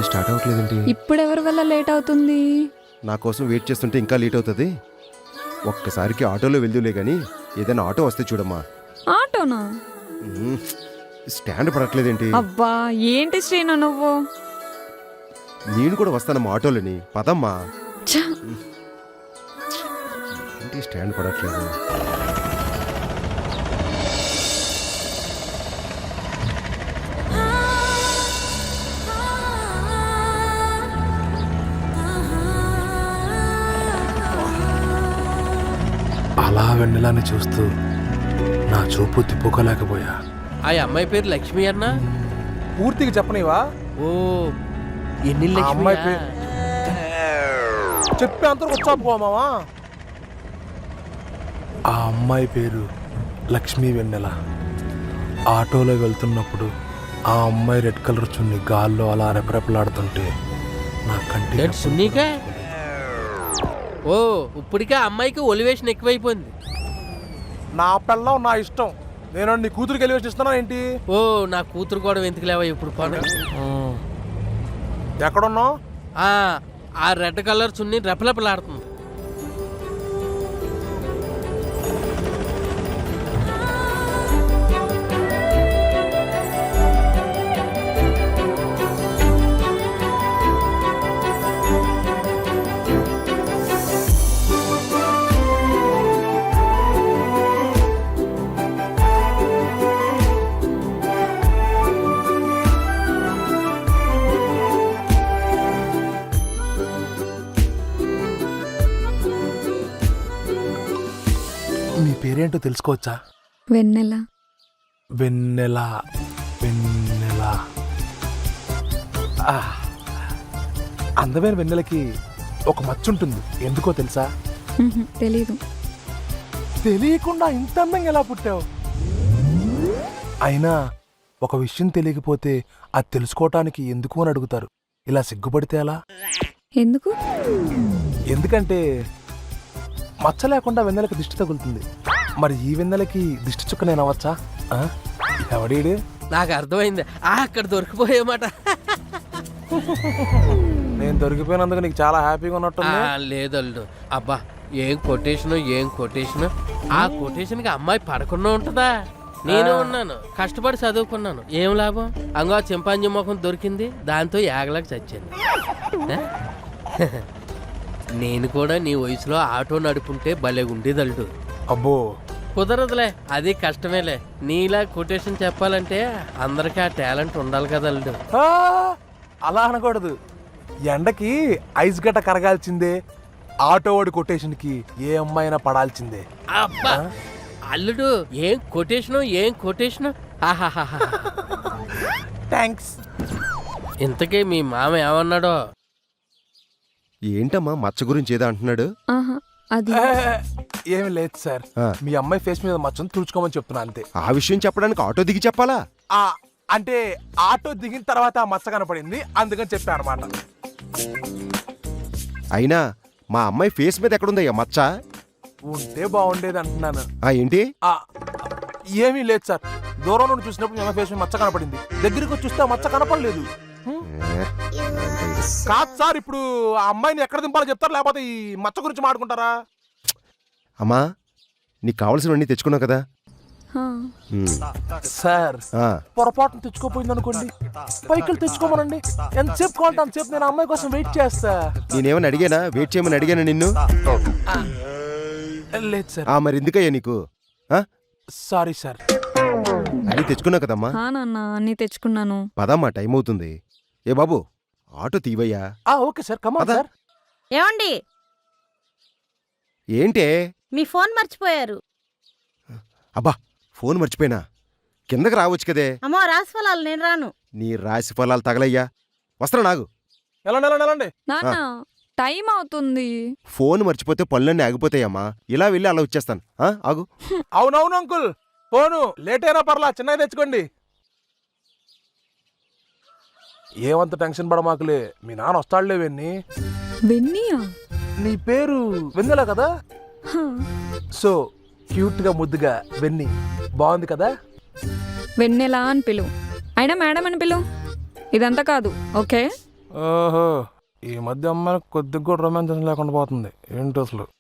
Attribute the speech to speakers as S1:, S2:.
S1: Start అవ్వట్లేదేంటి?
S2: ఇప్పుడు ఎవరి వల్ల లేట్ అవుతుంది?
S1: నా కోసం వెయిట్ చేస్తుంటే ఇంకా లేట్ అవుతుంది. ఒక్కసారికి ఆటోలో వెళ్దులే గానీ ఏదైనా ఆటో వస్తే చూడమ్మా.
S2: ఆటోనా?
S1: స్టాండ్ పడట్లేదేంటి?
S2: అబ్బా ఏంటి శ్రీను నువ్వు?
S1: నేను కూడా వస్తానమ్మా ఆటోలని. పదమ్మా.
S2: ఛ!
S1: ఏంటి స్టాండ్ పడట్లేదు?
S3: అలా వెన్నెలాని చూస్తూ నా చూపు తిప్పుకోలేకపోయా.
S4: ఆ అమ్మాయి పేరు లక్ష్మి అన్న.
S3: పూర్తిగా చెప్పనివా?
S4: ఓ ఎన్ని
S3: అమ్మాయి పేరు చెప్పే అంత వచ్చా పోమావా? ఆ అమ్మాయి పేరు లక్ష్మీ వెన్నెల. ఆటోలో వెళ్తున్నప్పుడు ఆ అమ్మాయి రెడ్ కలర్ చున్ని గాల్లో అలా రెపరెపలాడుతుంటే నా కంటి
S4: సున్నీకా? ఓ ఇప్పటికే అమ్మాయికి ఒలివేషన్ ఎక్కువైపోయింది.
S3: నా పిల్లం నా ఇష్టం. నేను నీ కూతురికి ఎలివేషన్ ఇస్తున్నా ఏంటి?
S4: ఓ నా కూతురు కూడా ఎందుకు లేవా ఇప్పుడు పని?
S3: ఎక్కడున్నావు?
S4: ఆ రెడ్ కలర్ చున్ని రెపరెపలాడుతుంది.
S3: నీ పేరేంటో తెలుసుకోవచ్చా?
S2: వెన్నెల.
S3: వెన్నెల. వెన్నెల. అందమైన వెన్నెలకి ఒక మచ్చ ఉంటుంది. ఎందుకో తెలుసా?
S2: తెలీదు.
S3: తెలియకుండా ఇంత అందంగా ఎలా పుట్టావు? అయినా ఒక విషయం తెలియకపోతే అది తెలుసుకోవటానికి ఎందుకు అని అడుగుతారు. ఇలా సిగ్గుపడితే ఎలా?
S2: ఎందుకు?
S3: ఎందుకంటే మచ్చ లేకుండా వెన్నెలకి దిష్టి తగులుతుంది. మరి ఈ వెన్నెలకి దిష్టి చుక్క నేను అవ్వచ్చా? ఎవడీడు?
S4: నాకు అర్థమైంది. అక్కడ దొరికిపోయేమాట.
S3: నేను దొరికిపోయినందుకు నీకు చాలా హ్యాపీగా ఉన్నట్టుంది.
S4: లేదల్లు. అబ్బా ఏం కొటేషన్. ఆ కొటేషన్కి అమ్మాయి పడకుండా ఉంటుందా? నేను ఉన్నాను, కష్టపడి చదువుకున్నాను. ఏం లాభం? అంగో చింపాంజీ ముఖం దొరికింది, దాంతో యాగలకు చచ్చింది. నేను కూడా నీ వయసులో ఆటో నడుపుంటే భలే ఉండేదల్డు.
S3: అబ్బో
S4: కుదరదులే, అది కష్టమేలే. నీలా కొటేషన్ చెప్పాలంటే అందరికీ ఆ టాలెంట్ ఉండాలి కదా అల్లుడు.
S3: అలా అనకూడదు. ఎండకి ఐస్ గడ్డ కరగాల్సిందే. ఆటో వాడి కొటేషన్ కి ఏ అమ్మాయినా పడాల్సిందే.
S4: అబ్బా అల్లుడు ఏం కొటేషను.
S3: థ్యాంక్స్.
S4: ఇంతకీ మీ మామ ఏమన్నాడో?
S1: ఏంటమ్మా మచ్చ గురించి ఏదో అంటున్నాడు?
S2: అది
S3: ఏమి లేదు సార్. మీ అమ్మాయి ఫేస్ మీద మచ్చను తుడుచుకోమని చెప్తున్నా అంతే.
S1: ఆ విషయం చెప్పడానికి ఆటో దిగి చెప్పాలా?
S3: అంటే ఆటో దిగిన తర్వాత ఆ మచ్చ కనపడింది, అందుకని చెప్పా అనమాట.
S1: అయినా మా అమ్మాయి ఫేస్ మీద ఎక్కడుందయ్యా మచ్చ?
S3: ఉంటే బాగుండేది అంటున్నాను.
S1: ఏంటి?
S3: ఏమీ లేదు సార్. దూరం నుండి చూసినప్పుడు మీ అమ్మాయి ఫేస్ మీద మచ్చ కనపడింది, దగ్గరికి వచ్చి చూస్తే ఆ మచ్చ కనపడలేదు. కాదు సార్, ఇప్పుడు ఆ అమ్మాయిని ఎక్కడ దింపాలో చెప్తారు, లేకపోతే ఈ మచ్చ గురించి మాట్లాడుకుంటారా?
S1: అమ్మా నీకు కావాల్సినవన్నీ తెచ్చుకున్నావు కదా
S3: సార్. పొరపాటును తెచ్చుకోపోయింది అనుకోండి, పైకి తెచ్చుకోమనండి. ఎంతసేపు కావాలంటే అంతసేపు నేను అమ్మాయి కోసం వెయిట్ చేస్తా.
S1: నేనేమని అడిగానా? వెయిట్ చేయమని అడిగానా నిన్ను?
S3: లేదు సార్.
S1: మరి ఎందుకయ్యా నీకు?
S3: Sorry sir.
S1: అన్నీ తెచ్చుకున్నావు కదమ్మా?
S2: అన్నీ తెచ్చుకున్నాను.
S1: పదమ్మా, టైం అవుతుంది. ఏ బాబు ఆటో తీవయ్యా.
S3: ఓకే సార్, కమా సార్.
S5: ఏమండి,
S1: ఏంటే?
S5: మీ ఫోన్ మర్చిపోయారు.
S1: అబ్బా ఫోన్ మర్చిపోయినా? కిందకి రావచ్చు కదే.
S5: అమ్మో రాసి ఫలాలు నేను రాను.
S1: నీ రాశి ఫలాలు తగలయ్యా. వస్త్రా నాగు.
S3: ఎలాండి
S2: నాన్న టైం అవుతుంది.
S1: ఫోన్ మర్చిపోతే పనులన్నీ ఆగిపోతాయమ్మా. ఇలా వెళ్ళి అలా వచ్చేస్తాను. ఆగు.
S3: అవునవును అంకుల్, ఫోను లేట్ అయినా పర్లా, చిన్నగా తెచ్చుకోండి. ఏమంత టెన్షన్ పడమాకులే, మీ నాన్న వస్తాడులే.
S2: వెన్నీయా?
S3: నీ పేరు వెన్నెల కదా? సో క్యూట్ గా ముద్దుగా వెన్నీ, బాగుంది కదా?
S2: వెన్నెలా అని పిలువు, అయినా మేడం అని పిలువు. ఇదంతా కాదు, ఓకే?
S3: ఓహో, ఈ మధ్య అమ్మాయికి కొద్దిగా కూడా రొమాన్స్ లేకుండా పోతుంది ఏంటి అసలు.